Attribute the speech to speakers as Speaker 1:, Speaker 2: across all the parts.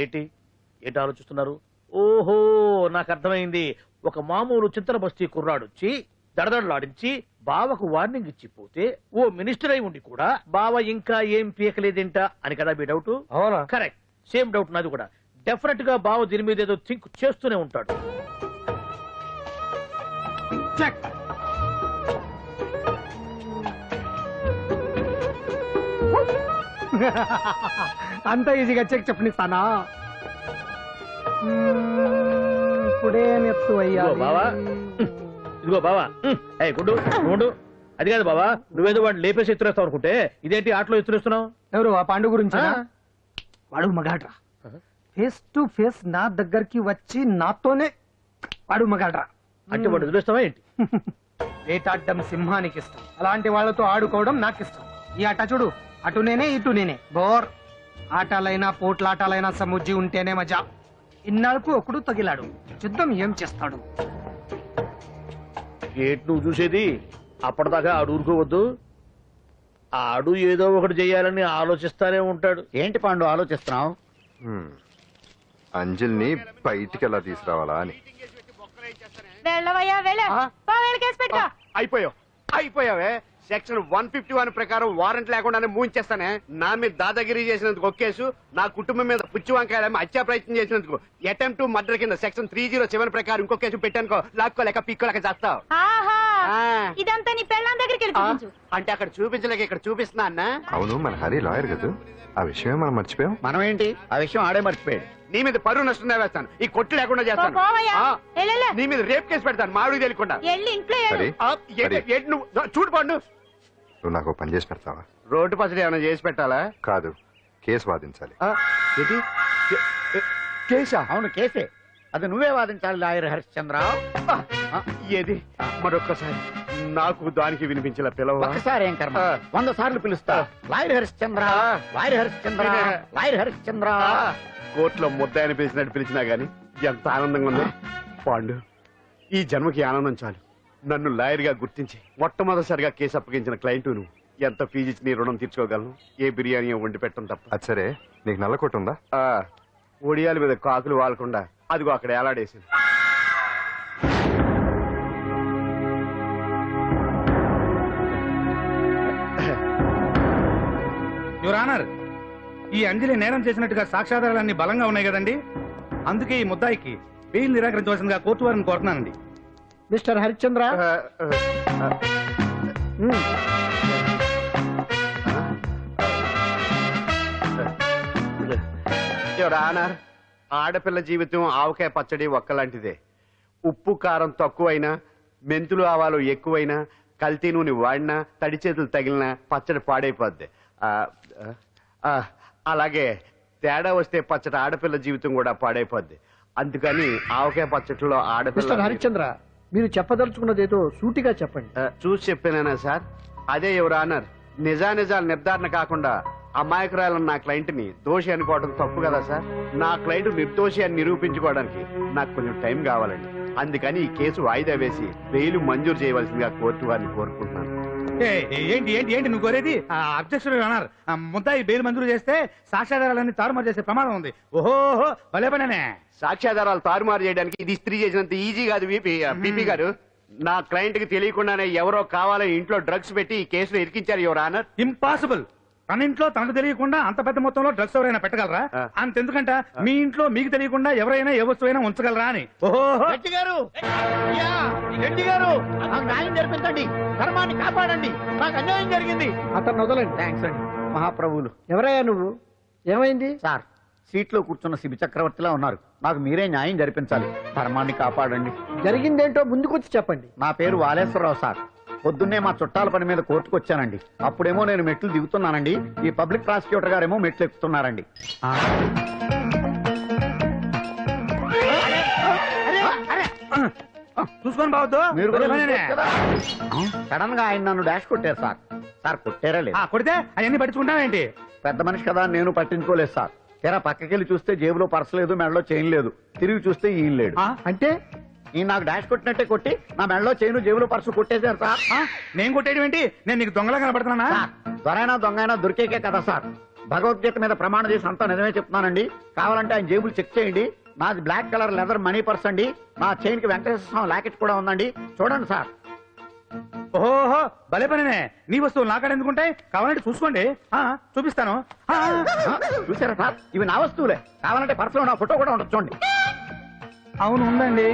Speaker 1: ఏంటి ఏంటి ఆలోచిస్తున్నారు? ఓహో, నాకు అర్థమైంది. ఒక మామూలు చింతన బస్తీ కుర్రాడొచ్చి దడదడలాడించి బావకు వార్నింగ్ ఇచ్చిపోతే ఓ మినిస్టర్ అయి ఉండి కూడా బావ ఇంకా ఏం పీకలేదేంట అని కదా మీ డౌట్?
Speaker 2: అవునా?
Speaker 1: కరెక్ట్, సేమ్ డౌట్ నాది కూడా. డెఫినెట్ గా బావ దీని మీద ఏదో థింక్ చేస్తూనే ఉంటాడు.
Speaker 2: అంత ఈజీగా చెక్ చెప్పనిస్తానా? ఇప్పుడే నెత్తు అయ్యా
Speaker 1: బావా, ఇదిగో బావా. గుడ్డు గుండు, అది కాదు బావా, నువ్వేదో వాడిని లేపేసి ఎత్తురేస్తావు అనుకుంటే ఇదేంటి ఆటలో ఎత్తురేస్తున్నావు?
Speaker 2: ఎవరు ఆ పాండు గురించి? వాడు మగాడ్రా, ఫేస్ టు ఫేస్ నా దగ్గరికి వచ్చి నాతోనే వాడు మగాడ్రా.
Speaker 1: అంటే వాడు ఎదురేస్తావా ఏంటి?
Speaker 2: వేటాడ్డం సింహానికి ఇష్టం, అలాంటి వాళ్ళతో ఆడుకోవడం నాకు ఇష్టం. ఈ ఆట చూడు, అటు నేనే ఇటు నేనే, బోర్. ఆటలైనా పోట్లాటాలైనా సముజ్జి ఉంటేనే మజా. ఇన్నాళ్ళకు ఒకడు తగిలాడు, యుద్ధం ఏం చేస్తాడు?
Speaker 1: ఏంటి నువ్వు చూసేది? అప్పటిదాకా ఆడు ఊరుకోవద్దు. ఆడు ఏదో ఒకటి చెయ్యాలని ఆలోచిస్తానే ఉంటాడు.
Speaker 3: ఏంటి పాండు ఆలోచిస్తున్నావు?
Speaker 4: అంజలిని బయటికి ఎలా తీసుకురావాలా అని.
Speaker 5: అయిపోయావే. సెక్షన్ 151 ప్రకారం వారెంట్ లేకుండానే మూయించేస్తానే. నా మీద దాదాగిరి చేసినందుకు ఒక కేసు, నా కుటుంబం మీద పుచ్చి వంకాయలేమో హత్యా ప్రయత్నం చేసినందుకు అటెంప్ట్ టు మర్డర్ కింద సెక్షన్ 307 ప్రకారం ఇంకో కేసు పెట్టానుకో, లాక్కోలేక పిక్కోలేక చేస్తావు.
Speaker 6: ఇదంతా నీ పెళ్ళాం దగ్గరికి
Speaker 5: అంటే అక్కడ చూపించలేక ఇక్కడ చూపిస్తున్నా అన్న.
Speaker 4: అవును, మన హరి లాయర్ కదా, ఆ విషయమే మనం మర్చిపోయాం.
Speaker 3: మనం ఏంటి ఆ విషయం ఆడే మర్చిపోయాడు.
Speaker 5: నీ మీద పరువు నష్టం వేస్తాను, ఈ కొట్టు లేకుండా చేస్తాను. నీ మీద రేప్ కేసు పెడతాను మాడు తెలియకుండా. చూడు పండు,
Speaker 4: నువ్వు నాకు పని చేసి పెడతావా?
Speaker 5: రోడ్డు పసడి ఏమైనా చేసి పెట్టాలా?
Speaker 4: కాదు, కేసు వాదించాలి.
Speaker 5: కేసా?
Speaker 3: అవును కేసే, అది నువ్వే వాదించాలి లాయర్ హరిశ్చంద్ర.
Speaker 5: ఏది మరొక్కసారి నాకు దానికి వినిపించిన పిలవ.
Speaker 3: ఒకసారి ఏం కర్మ, 100 సార్లు పిలుస్తా. Lawyer Harishchandra, lawyer Harishchandra, lawyer Harishchandra.
Speaker 5: కోర్టులో ముద్దాయని పిలిచినట్టు పిలిచినా గాని ఎంత ఆనందంగా ఉంది పాండు. ఈ జన్మకి ఆనందం చాలు. నన్ను లాయర్ గా గుర్తించి మొట్టమొదటిసారిగా కేసు అప్పగించిన క్లయింట్ నువ్వు. ఎంత ఫీజు ఇచ్చి నీ రుణం తీర్చుకోగలను? ఏ బిర్యానీ వండి పెట్టడం తప్ప.
Speaker 4: అది సరే, నీకు నల్ల కొట్టు ఉందా?
Speaker 5: ఒడియాల మీద కాకులు వాలకుండా అదిగో అక్కడ ఏలాడేసింది.
Speaker 7: యువర్ ఆనర్, ఈ అంజలి నేరం చేసినట్టుగా సాక్ష్యాధారాలన్నీ బలంగా ఉన్నాయి కదండి. అందుకే ఈ ముద్దాయికి బెయిల్ నిరాకరించవలసిందిగా కోర్టు వారిని కోరుతున్నానండి.
Speaker 2: మిస్టర్ హరిశ్చంద్ర,
Speaker 5: యువర్ ఆనర్, ఆడపిల్ల జీవితం ఆవకాయ పచ్చడి ఒక్కలాంటిదే. ఉప్పు కారం తక్కువైనా, మెంతులు ఆవాలు ఎక్కువైనా, కల్తీ నూనె వాడినా, తడి చేతులు తగిలినా పచ్చడి పాడైపోద్ది. అలాగే తేడా వస్తే పచ్చడి ఆడపిల్ల జీవితం కూడా పాడైపోద్ది. అందుకని ఆవకాయ పచ్చడిలో ఆడపిల్ల.
Speaker 2: హరిశ్చంద్ర, మీరు చెప్పదలుచుకున్నది ఏదో సూటిగా చెప్పండి.
Speaker 5: చూసి చెప్పానా సార్? అదే యువర్ ఆనర్, నిజానిజాలు నిర్ధారణ కాకుండా అమాయకురాలను నా క్లయింట్ ని దోషి అనుకోవడం తప్పు కదా సార్? నా క్లయింట్ నిర్దోషి అని నిరూపించుకోవడానికి నాకు కొంచెం టైం కావాలండి. అందుకని ఈ కేసు వాయిదా వేసి బెయిల్ మంజూరు చేయవలసిందిగా కోర్టు వారిని కోరుకుంటున్నాను.
Speaker 7: ఏంటి ఏంటి ఏంటి నువ్వు కోరేది? అబ్జెక్షన్ యువర్ ఆనర్, ముద్దాయి బెయిల్ మంజూరు చేస్తే సాక్ష్యాధారాలన్నీ తారుమారు చేసే ప్రమాదం ఉంది. ఓహో భలే పనే.
Speaker 5: సాక్ష్యాధారాలు తారుమారు చేయడానికి ఇది ఇస్త్రీ చేసినంత ఈజీ కాదు బీపీ గారు. నా క్లయింట్ కి తెలియకుండానే ఎవరో కావాలని ఇంట్లో డ్రగ్స్ పెట్టి ఈ కేసులో ఇరికించారు యువర్ ఆనర్.
Speaker 7: ఇంపాసిబుల్. తన ఇంట్లో తనకు తెలియకుండా అంత పెద్ద మొత్తంలో డ్రగ్స్ ఎవరైనా పెట్టగలరా? అంతెందుకంట మీ ఇంట్లో మీకు తెలియకుండా ఎవరైనా ఏ వస్తువైనా ఉంచగలరా అని.
Speaker 3: గట్టి గారు, గట్టి గారు, నాకు న్యాయం జరిపించండి, ధర్మాన్ని కాపాడండి, నాకు అన్యాయం జరిగింది.
Speaker 2: అతను వదలండి.
Speaker 3: థ్యాంక్స్ అండి మహాప్రభువులు.
Speaker 2: ఎవరయ్యా నువ్వు? ఏమైంది?
Speaker 3: సార్, సీట్లో కూర్చున్న శిబి చక్రవర్తిలా ఉన్నారు. నాకు మీరే న్యాయం జరిపించాలి, ధర్మాన్ని కాపాడండి.
Speaker 2: జరిగిందేంటో ముందుకొచ్చి చెప్పండి.
Speaker 3: నా పేరు వాలేశ్వరరావు సార్. పొద్దున్నే మా చుట్టాల పని మీద కోర్టుకు వచ్చానండి. అప్పుడేమో నేను మెట్లు దిగుతున్నానండి, ఈ పబ్లిక్ ప్రాసిక్యూటర్ గారేమో మెట్లు ఎక్కుతున్నారండి.
Speaker 7: చూసుకొని బావద్దు.
Speaker 3: సడన్ గా ఆయన నన్ను డాష్ కొట్టారు సార్. సార్ కొట్టారా లేదు?
Speaker 7: కొడితే అవన్నీ పట్టించుకుంటావేంటి?
Speaker 3: పెద్ద మనిషి కదా, నేను పట్టించుకోలేదు సార్. తెర పక్కకెళ్ళి చూస్తే జేబులో పర్స్ లేదు, మెడలో చైన్ లేదు. తిరిగి చూస్తే ఈయన లేడు.
Speaker 2: అంటే
Speaker 3: ఈ నాకు డాష్ కొట్టినట్టే కొట్టి నా మెడలో చైను జేబులో పర్సు కొట్టేశారు సార్.
Speaker 7: నేను కొట్టేయడం ఏంటి? నేను నీకు దొంగలా కనబడుతున్నా?
Speaker 3: దొరైనా దొంగైనా దొరికేకే కదా సార్. భగవద్గీత మీద ప్రమాణం చేసి అంతా నిజమే చెప్తున్నానండి. కావాలంటే ఆయన జేబులు చెక్ చేయండి. నాది black colour leather money purse అండి. నా చైన్ కి వెంకటేశ్వర స్వామి లాకెట్ కూడా ఉందండి. చూడండి సార్.
Speaker 7: ఓహో భలే పనినే. నీ వస్తువులు నాకాడ ఎందుకుంటాయి? కావాలంటే చూసుకోండి. చూపిస్తాను.
Speaker 3: చూసారా సార్, ఇవి నా వస్తువులే. కావాలంటే పర్సులో నా ఫోటో కూడా ఉండొచ్చు చూడండి.
Speaker 2: అవును ఉందండి.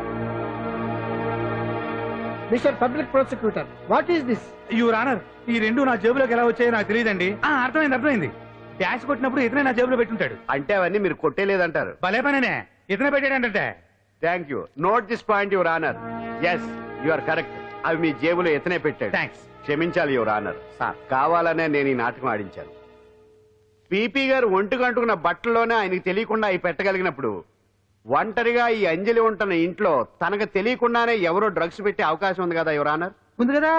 Speaker 2: Mister public prosecutor, what is this?
Speaker 7: Your honour, ఈ రెండు నా జేబులోకి ఎలా వచ్చాయో నాకు తెలియదండి. అర్థమైంది. డాష్ కొట్టినప్పుడు ఇతనే నా జేబులో పెట్టుంటాడు.
Speaker 5: అంటే అవన్నీ మీరు కొట్టేలేదంటారు.
Speaker 7: భలే పనినే, ఇతనే పెట్టాడంటే.
Speaker 5: Thank you. Note this point your honour. Yes, you are correct. అవి మీ జేబులో ఎత్తనే పెట్టాడు.
Speaker 7: థ్యాంక్స్.
Speaker 5: క్షమించాలి యువర్ ఆనర్.
Speaker 3: సార్,
Speaker 5: కావాలనే నేను ఈ నాటకం ఆడించాను. పీపీ గారు ఒంటికి అంటుకున్న బట్టల్లోనే ఆయనకి తెలియకుండా అవి పెట్టగలిగినప్పుడు ఒంటరిగా ఈ అంజలి ఉంటున్న ఇంట్లో తనకు తెలియకుండానే ఎవరో డ్రగ్స్ పెట్టే అవకాశం ఉంది కదా యువర్ ఆనర్.
Speaker 2: ఉంది కదా.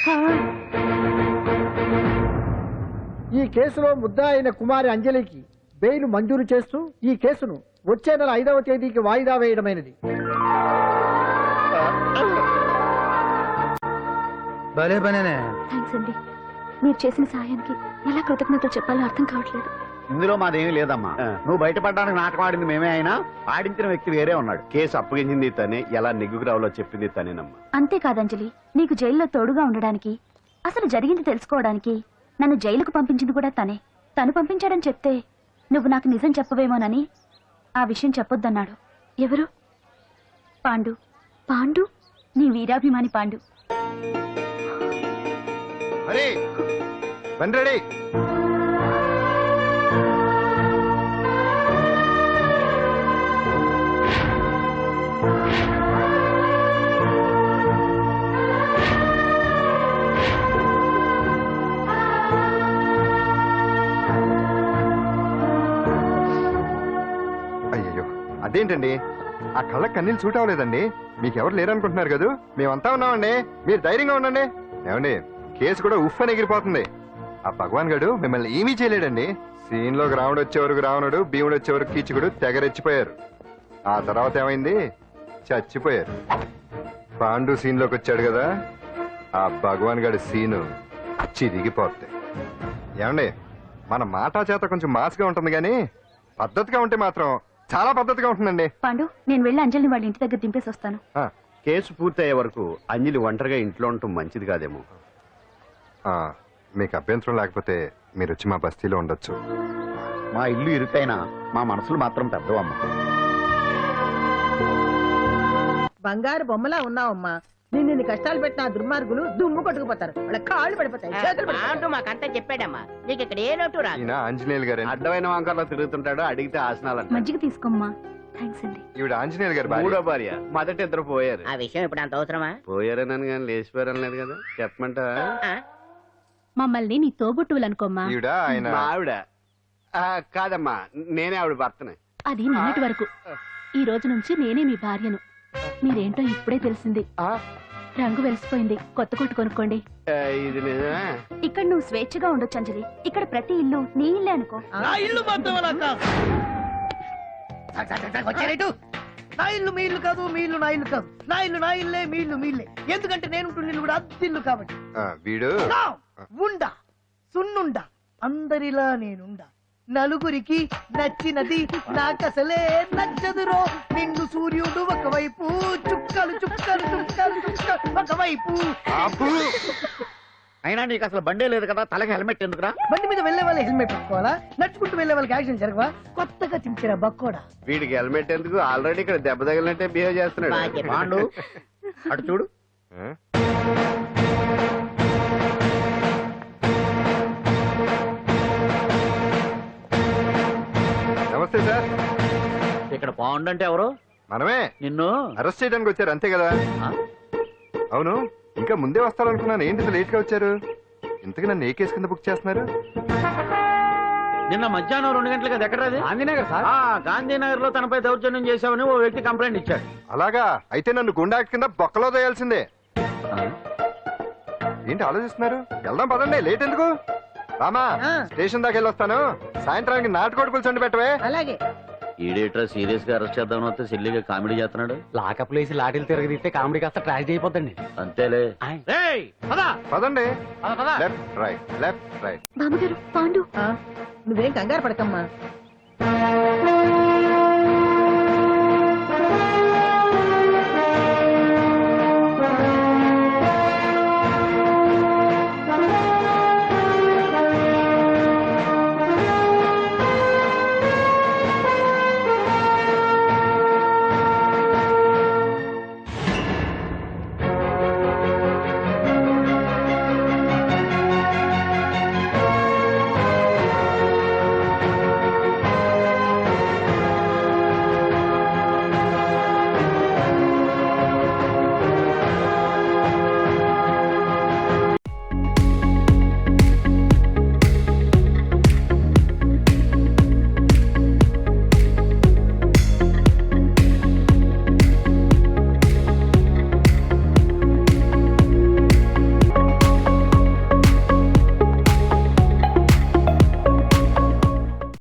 Speaker 8: ఈ కేసులో ముద్దా అయిన కుమారి అంజలికి బెయిల్ మంజూరు చేస్తూ ఈ కేసును వచ్చే నెల 5వ తేదీకి వాయిదా వేయడమైనది.
Speaker 2: భలే పనేనే.
Speaker 6: థ్యాంక్స్ అండి. మీరు చేసిన సహాయానికి ఎలా కృతజ్ఞతలు చెప్పాలో అర్థం కావట్లేదు.
Speaker 3: ఇందులో మాదేమీ లేదమ్మా. నువ్వు బయటపడడానికి నాటకం ఆడింది మేమే అయినా ఆడించిన వ్యక్తి వేరే ఉన్నాడు.
Speaker 5: కేసు అప్పగించింది తనే, ఎలా నెగ్గుకు రావాలో చెప్పింది తనేనమ్మా.
Speaker 6: అంతేకాదు అంజలి, నీకు జైల్లో తోడుగా ఉండడానికి, అసలు జరిగింది తెలుసుకోవడానికి నన్ను జైలుకు పంపించింది కూడా తనే. తను పంపించాడని చెప్తే నువ్వు నాకు నిజం చెప్పవేమోనని ఆ విషయం చెప్పొద్దన్నాడు. ఎవరు? పాండు. పాండు, నీ వీరాభిమాని పాండు.
Speaker 4: అరే రెడీ. అయ్యో అదేంటండి, ఆ కళ్ళకి కన్నీళ్ళు సూట్ అవ్వలేదండి. మీకెవరు లేరనుకుంటున్నారు కదా, మేమంతా ఉన్నామండి. మీరు ధైర్యంగా ఉండండి. ఏమండి, కేసు కూడా ఉఫ్ అని ఎగిరిపోతుంది. ఆ భగవాన్ గడు మిమ్మల్ని ఏమీ చేయలేడండి. సీన్ లోకి రావణుడు వచ్చే వరకు రావణుడు, భీముడు వచ్చే వరకు కీచుకుడు తెగరెచ్చిపోయారు. ఆ తర్వాత ఏమైంది? చచ్చిపోయారు. పాండు సీన్ లోకి వచ్చాడు కదా, ఆ భగవాన్ గడి సీను చిరిగిపోద్ది. ఏమండి, మన మాటా చేత కొంచెం మాస్గా ఉంటుంది కానీ పద్ధతిగా ఉంటే మాత్రం చాలా పద్ధతిగా ఉంటుందండి.
Speaker 6: పాండు, నేను వెళ్ళి అంజలిని వాళ్ళ ఇంటి దగ్గర దింపేసి వస్తాను.
Speaker 5: కేసు పూర్తయ్యే వరకు అంజలి ఒంటరిగా ఇంట్లో ఉండటం మంచిది కాదేమో.
Speaker 4: మీకు అభ్యంతరం లేకపోతే మీరు వచ్చి మా బస్తీలో ఉండొచ్చు.
Speaker 3: మా ఇల్లు ఇరుకైనా మా మనసులు మాత్రం పెద్దవమ్మ.
Speaker 8: బంగారు బొమ్మలా ఉన్నావమ్మా. నిన్ను కష్టాలు పెట్టిన ఆ దుర్మార్గులు దుమ్ము కొట్టుకుపోతారు. వాళ్ళ కాళ్ళు పడిపోతాయి, చేతులు పడిపోతాయి.
Speaker 9: మాకంతా చెప్పాడమ్మా, నీకు ఇక్కడ ఏ లోటు రాదు.
Speaker 4: ఈయన ఆంజనేయులు గారు.
Speaker 5: అడ్డమైన వంకర్లో తిరుగుతుంటాడు, అడిగితే ఆసనాలంట.
Speaker 6: మజ్జిగ తీసుకోమ్మా. థ్యాంక్స్ అండి.
Speaker 4: ఈవిడ ఆంజనేయులు గారు భార్య.
Speaker 5: మూడో భార్య. మొదట ఇద్దరు పోయారు.
Speaker 9: ఆ విషయం ఇప్పుడు అంత అవసరమా?
Speaker 5: పోయారనని కానీ లేచిపోయారని లేదు కదా. చెప్పమంట.
Speaker 6: మమ్మల్ని నీ తోబుట్టువులనుకోమ్మా.
Speaker 4: ఈవిడ ఆయన
Speaker 5: మా ఆవిడ. కాదమ్మా, నేనే ఆవిడ భర్తనే.
Speaker 6: అది నిన్నటి వరకు. ఈ రోజు నుంచి నేనే మీ భార్యను. మీరేంటో ఇప్పుడే తెలిసింది. రంగు వెలిసిపోయింది, కొత్త కొట్టు కొనుక్కోండి.
Speaker 5: ఇది నిజమే.
Speaker 6: ఇక్కడ నువ్వు స్వేచ్ఛగా ఉండొచ్చు అంజలి. ఇక్కడ ప్రతి ఇల్లు నీ ఇల్లే అనుకో.
Speaker 1: నా ఇల్లు మాత్రం అలా కాదు. నా ఇల్లు మీ ఇల్లు కాదు, మీ ఇల్లు నా ఇల్లు కాదు. నా ఇల్లు నా ఇల్లే, మీ ఇల్లు మీ ఇల్లే. ఎందుకంటే నేను ఇల్లు కూడా అద్దిల్లు కాబట్టి.
Speaker 4: వీడు
Speaker 1: ఉండా సున్నుండా అందరిలా నేనుండా. నలుగురికి నచ్చినది నాకసలే నచ్చదురో. నిన్ను సూర్యుడు ఒకవైపు, చుక్కలు చుక్కలు చుక్కలు చుక్కలు ఒకవైపు.
Speaker 3: అయినా నీకు అసలు బండే లేదు కదా, తలకి హెల్మెట్ ఎందుకురా?
Speaker 8: బండి మీద వెళ్లే వాళ్ళు హెల్మెట్ పెట్టుకోవాలా? నడుచుకుంటూ వెళ్లే వాళ్ళకి యాక్సిడెంట్ జరగవా? కొత్తగా తింటారా బక్కోడా?
Speaker 5: వీడికి హెల్మెట్ ఎందుకు? ఆల్రెడీ ఇక్కడ దెబ్బ తగిలినట్టే బిహేవ్ చేస్తున్నాడు.
Speaker 3: పాండు అటు చూడు.
Speaker 4: నమస్తే సార్.
Speaker 1: ఇక్కడ పాండు అంటే ఎవరు?
Speaker 4: మనమే.
Speaker 1: నిన్ను
Speaker 4: అరెస్ట్ చేయడానికి వచ్చారు అంతే కదా? అవును, ఇంకా ముందే వస్తారనుకున్నాను. ఏంటి లేట్ గా వచ్చారు? ఇంతకు నన్ను ఏ కేసు కింద బుక్ చేస్తున్నారు?
Speaker 1: నిన్న మధ్యాహ్నం 2 గంటలకు అది ఎక్కడ?
Speaker 2: గాంధీనగర్ సార్.
Speaker 1: గాంధీనగర్ లో తనపై దౌర్జన్యం చేశామని ఓ వ్యక్తి కంప్లైంట్ ఇచ్చాడు.
Speaker 4: అలాగా? అయితే నన్ను గుండా కింద బొక్కలో తోయాల్సిందే. ఏంటి ఆలోచిస్తున్నారు? వెళ్దాం పదండి, లేట్ ఎందుకు? రామా, స్టేషన్ దాకా వెళ్ళి వస్తాను. సాయంత్రానికి నాటుకోడి పులుసు పెట్టవే.
Speaker 8: అలాగే.
Speaker 1: ఈడేట్రా సీరియస్ గా అరెస్ట్ చేద్దామని వస్తే సిల్లిగా కామెడీ చేస్తున్నాడు.
Speaker 2: లాకప్ లేసి లాఠీలు తిరగదీస్తే కామెడీ కాస్త ట్రాజడీ అయిపోతండి.
Speaker 1: అంతేలే.
Speaker 4: పదండి. Left right, left right.
Speaker 6: బామ్మగారు, పాండు.
Speaker 10: నువ్వేం కంగారు పడకమ్మా.